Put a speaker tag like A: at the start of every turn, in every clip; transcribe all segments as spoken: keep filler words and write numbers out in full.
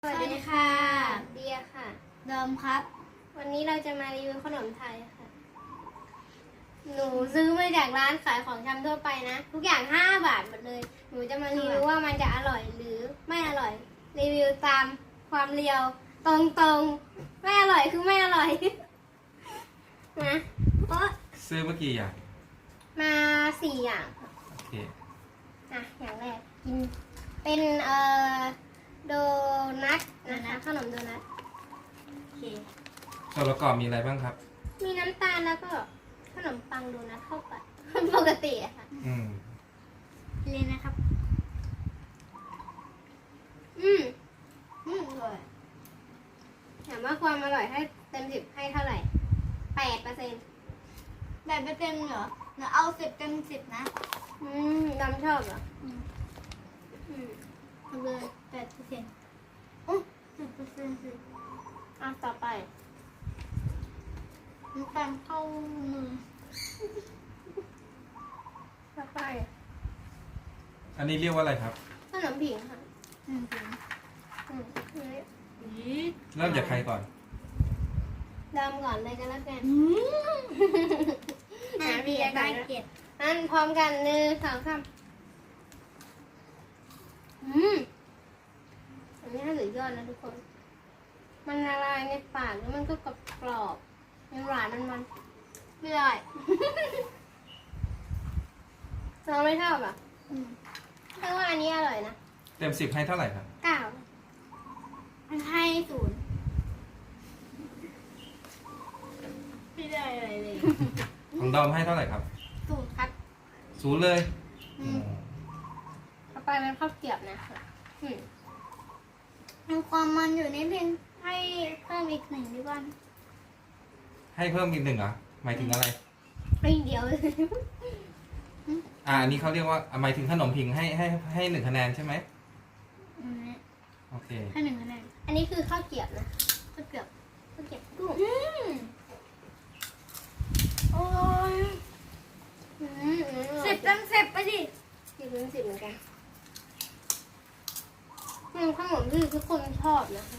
A: สวัสดีค่ะเดียค่ะ
B: เดิมครับ
A: วันนี้เราจะมารีวิวขนมไทยค่ะ หนูซื้อมาจากร้านขายของชำทั่วไปนะ ทุกอย่างห้าบาทหมดเลย หนูจะมารีวิวว่ามันจะอร่อยหรือไม่อร่อย รีวิวตามความเรียว ตรงๆ ไม่อร่อยคือไม่อร่อย นะเพราะ
C: ซื้อเมื่อกี้อย่าง
A: มาสี่อย่าง
C: โอเค
A: อ่ะอย่างแรกกินเป็นเอ่อโดนัทนะคะขนมโดนัทโอเค
C: ส่วนประกอบมีอะไรบ้างครับ
A: มีน้ำตาลแล้วก็ขนมปังโดนัทเข้าไป ปกติอะค่ะ
C: อืม
A: เลยนะครับ อืมอืมอร่อยถามว่าความอร่อยให้เต็มสิบให้เท่าไหร่แปดเปอร์เซ็นต์
B: แบบเต็มเหรอหนูเอาสิบเต็มสิบนะ
A: อืมดำชอบเหรอ
B: อืม
A: อืม
B: เอาเลยแปดเปอร์เซ็นต์อู้สิบเปอร์เซ็นต์สิ
A: อ่ะต่อไป
B: น้ำตาลเข้ามือ
A: ต่อไป
C: อันนี้เรียกว่าอะไรครับ
A: ขนมผิงค่ะ
B: หนึ่งถุง
A: อืมอันนี้
C: เริ่มจากใครก่อน
A: ดำก่อนเลยกันแล้วกัน
B: อืม
A: หาเบียร์ก่
B: ได้
A: อนนะ
B: เจ็ด
A: อันพร้อมกันหนึ่งสองสามอืมอันนี้ให้สุดยอดนะทุกคน มันละลายในปากแล้วมันก็กรอบกรอบๆยังหวานมันมัน
B: ไม่ได้
A: เราไม่ชอบอ่ะ
B: อืม
A: แต่ว่าอันนี้อร่อยนะ
C: เต็มสิบให้เท่าไหร่ครับ
A: เก้า
B: มันให้ศูนย์ไม่ได้อะไรเลย
C: ของดอมให้เท่าไหร่ครับ
A: สูตรครับ
C: ศูนย์เลย
A: อืม ต่อไปเป็นข้าวเกรียบนะคะอืม
B: มีความมันอยู่นิดนึงให้เพิ่มอีกหนึ่งดีกว่า
C: ให้เพิ่มอีกหนึ่งเหรอ หมายถึงอะไร
A: ไม่เดียวเลย
C: อ่า อันนี้เขาเรียกว่าอ่ะหมายถึงขนมผิงให้ให้ให้หนึ่งคะแนนใช่ไหม
B: อันนี้
C: โอเค
B: ให้หนึ่งคะแนน
A: อันนี้คือข้าวเกรียบนะ
B: ข้าวเกรียบ
A: ข้าวเกรียบกุ้ง
B: อืมโอ้ย
A: อืมอืม
B: สิบเต็มสิบไปดิ
A: สิบเป็นสิบเหมือนกันอืมขนมที่ทุกคนชอบนะ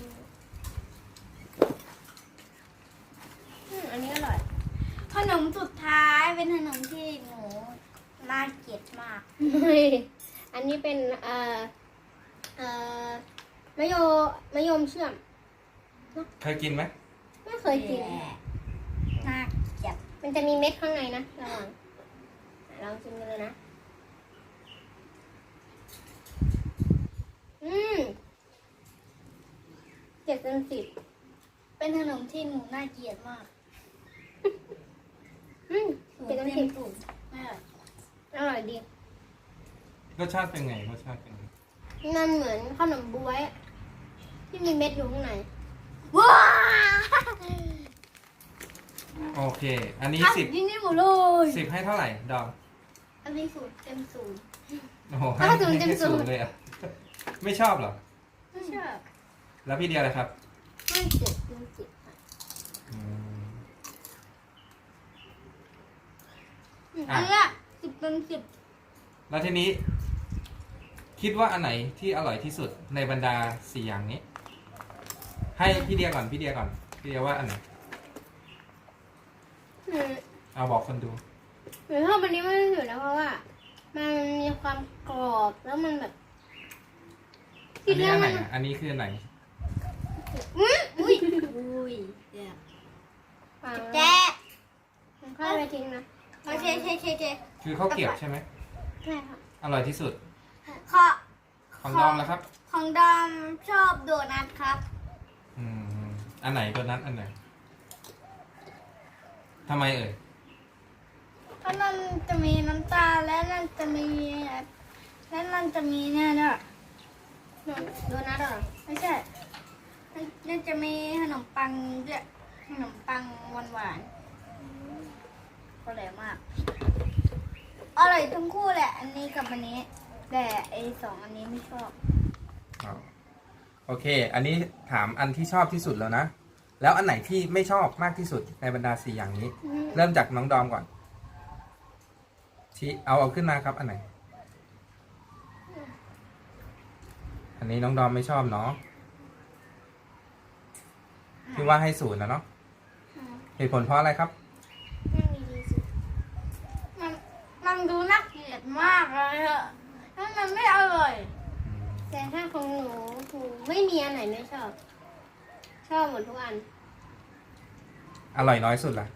A: อืมอันนี้อร่อย
B: ขนมสุดท้ายเป็นขนมที่หนูน่าเกลียดมาก
A: อันนี้เป็นเอ่อเอ่อมะโยมะยมเชื่อม
C: เคยกินไหม
A: ไม่เคยกิน
B: น่าเกลียด
A: มันจะมีเม็ดข้างในนะระวังลองชิมกันเลยนะ อืมเจ็ดเต็มสิบ
B: เป็นขนมที่หนูน่าเกลียดมาก
A: อืมเจ็ดเต็มสิบ
B: ศูนย์ไม่อร่อย
A: อร่อยดี
C: รสชาติเป็นไง รสชาติเป็นไง
A: มันเหมือนขนมบ๊วยที่มีเม็ดอยู่ข้างใน
B: ว้า
C: โอเค อันนี้สิบ
B: ยิ่งนี่หมดเลย
C: สิบให้เท่าไหร่ ดอม
B: อันนี้ศูนย์เต็มศูนย์
C: โอ้โหให้ให้ศูนย์เลยอ่ะ ไม่ชอบเหรอ
B: ไม่ชอบ
C: แล้วพี่เดียอะไรครับ
A: ให้เจ็ดเต็มสิบค่ะ
C: อืม
B: อันเนี้ยสิบเต็มสิบ
C: แล้วทีนี้ คิดว่าอันไหนที่อร่อยที่สุดในบรรดาสี่อย่างนี้ ให้พี่เดียก่อนพี่เดียก่อนพี่เดียว่าอันไหน
A: อืม
C: เอาบอกคนดู
A: หนูชอบอันนี้มากที่สุดนะเพราะว่า มันมีความกรอบแล้วมันแบบ
C: อันนี้อันไหน
A: มั
C: อ่ะอันนี้คืออันไหน
A: อุ้ย
B: อุ้ยอุ้ยเดี๋ยว
A: วาง
B: แจ๊
A: มันค่อยไปทิ้งนะ
B: โอเคโอเคโอเคโอเค
C: คือข้าวเกรียบใช่ไหม
A: ใช่ค่ะ
C: อร่อยที่สุด
B: ขอ
C: ของดอมนะครับ
B: ของดอมชอบโดนัทครับ
C: อืมอันไหนตัวนั้นอันไหนทำไมเอ่ย
B: เพราะนั่นจะมีน้ำตาลและนั่นจะมีและนั่นจะมีเนี่ยด้วย
A: โดนัทเหรอ
B: ไม่ใช่นั่นนั่นจะมีขนมปังด้วยขนมปังหวานหวานๆอร่อยมากอร่อยทั้งคู่แหละ อันนี้กับอันนี้ แต่ไอสองอันนี้ไม่ชอบ
C: อ๋อโอเค อันนี้ถามอันที่ชอบที่สุดแล้วนะ แล้วอันไหนที่ไม่ชอบมากที่สุดในบรรดาสี่อย่างนี้
A: อืม
C: เริ่มจากน้องดอมก่อนชี้เอาเอาขึ้นมาครับ อันไหน อันนี้น้องดอมไม่ชอบเนาะที่ว่าให้ศูนย์นะเนาะเหตุผลเพราะอะไรครับ
A: นั่งดีๆสิ
B: มันมันดูน่าเกลียดมากเลยอะแล้วมันไม่อร่อย
A: แต่ถ้าของหนูหนูไม่มีอันไหนไม่ชอบ ชอบหมดทุกอัน
C: อร่อยน้อยสุดล่ะ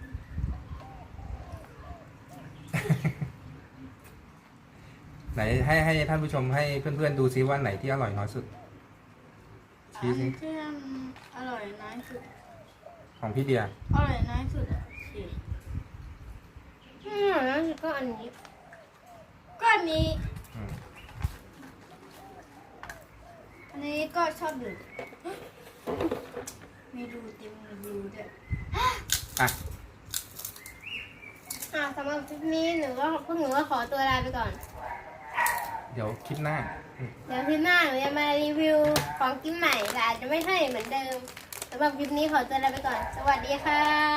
C: ไหนให้ให้ท่านผู้ชมให้เพื่อนๆดูซิว่าไหนที่อร่อยน้อยสุด
B: อั
C: ชี้
B: น
C: สิ
B: ที่มันอร่อยน้อยสุด
C: ของพี่เดีย
B: อร่อยน้อยสุดอะสิ
A: อืมแล้วก็อันนี้
B: ก็อันนี้
C: อืม
B: อันนี้ก็ชอบดูมีดูเต็มมีดูด้วย
C: อ่ะ
A: อ่าสำหรับคลิปนี้หนูก็พวกหนูก็ขอตัวลาไปก่อน
C: เดี๋ยวคลิปหน้าอืม
A: เดี๋ยวคลิปหน้าหนูจะมารีวิวของกินใหม่แต่อาจจะไม่ใช่เหมือนเดิมสำหรับคลิปนี้ขอตัวลาไปก่อน สวัสดีค่ะ